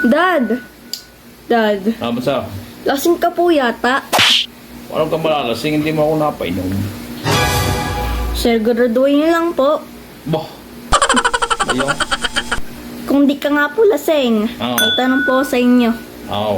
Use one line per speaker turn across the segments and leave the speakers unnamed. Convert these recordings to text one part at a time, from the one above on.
Dad! Dad,
Basta,
lasing ka po yata.
walang kang malalasing, hindi mo ako napainom.
Sir, graduin lang po.
Bah! Ayaw.
Kung di ka nga po lasing,
Oo.
may tanong po sa inyo.
Oo.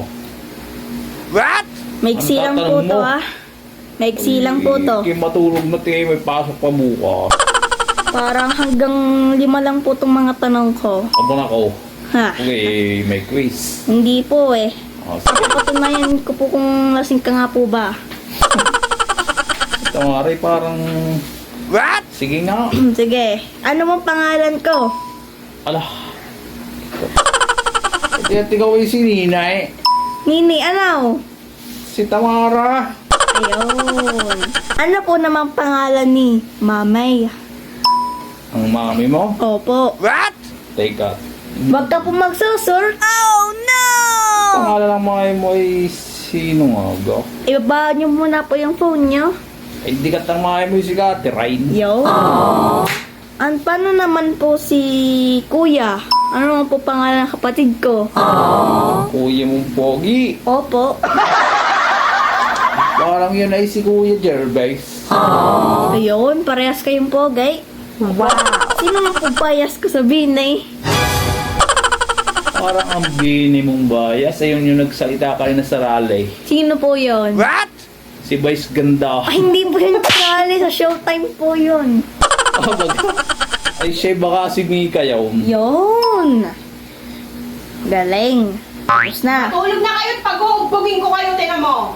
Maiksi
Ang
lang po
tatanong
to,
mo?
ha? Maiksi lang po to.
Kaya matulog na tayo, may pasok pa bukas.
Parang hanggang 5 lang po itong mga tanong ko.
Abang ako.
Ha?
Okay, may quiz.
Hindi po eh.
Sige.
Patunayan ko po kung lasing ka nga po ba.
Ito nga rin, parang... Sige nga.
Sige. Ano mong pangalan ko?
Alah. Ito yung si Ninay.
Nini, ano?
Si Tamara.
Ayun. Ano po namang pangalan ni Mamay?
Ang mami mo?
Opo.
Teka.
Wag ka po magsusur. Oh no!
Pangalan ng mami mo ay sino nga ga?
Ibaba niyo muna po yung phone niyo.
Ay, di ka tang mami mo si Catherine.
Yo. Paano naman po si Kuya? Ano naman po pangalan ng kapatid ko?
Kuya mong pogi.
Opo.
Parang yun ay si Kuya Gervais.
Ayun, parehas kayong pogay. Wow. Sino nga po bias ko sabihin eh?
Parang ang bini mong bias. Ayun yung nagsalita ka rin na sa rally.
Sino po yon?
Si Vice Ganda.
Ay, hindi po yun kasali. Sa Showtime po yun.
Ay, siya baka si Mika yun.
Yun. Galing. Tapos na.
Tulog na kayo at paghuhugbugin ko kayo, tinan mo.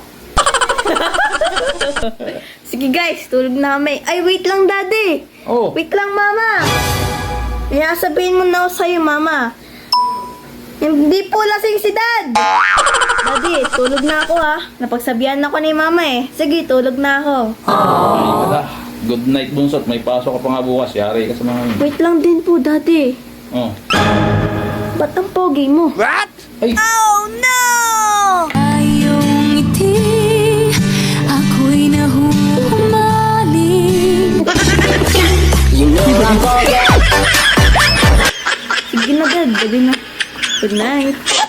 Sige guys, tulog na kami. Ay, wait lang daddy.
Oh,
Wait lang mama. Kaya sabihin mo na ako sa'yo mama. Hindi po lasing si dad. Daddy, tulog na ako ha. Napagsabihan ako ni mama eh. Sige, tulog na ako.
ay wala. Good night, Bunsot. May pasok ka pa nga bukas. Yari ka sa mga...
Wait lang din po daddy.
Oh.
Ba't ang pogi mo?
Ay,
Oh no!
Ayong ngiti, ako'y nahuhumaling.
Sige na dad, gabi na. Good night.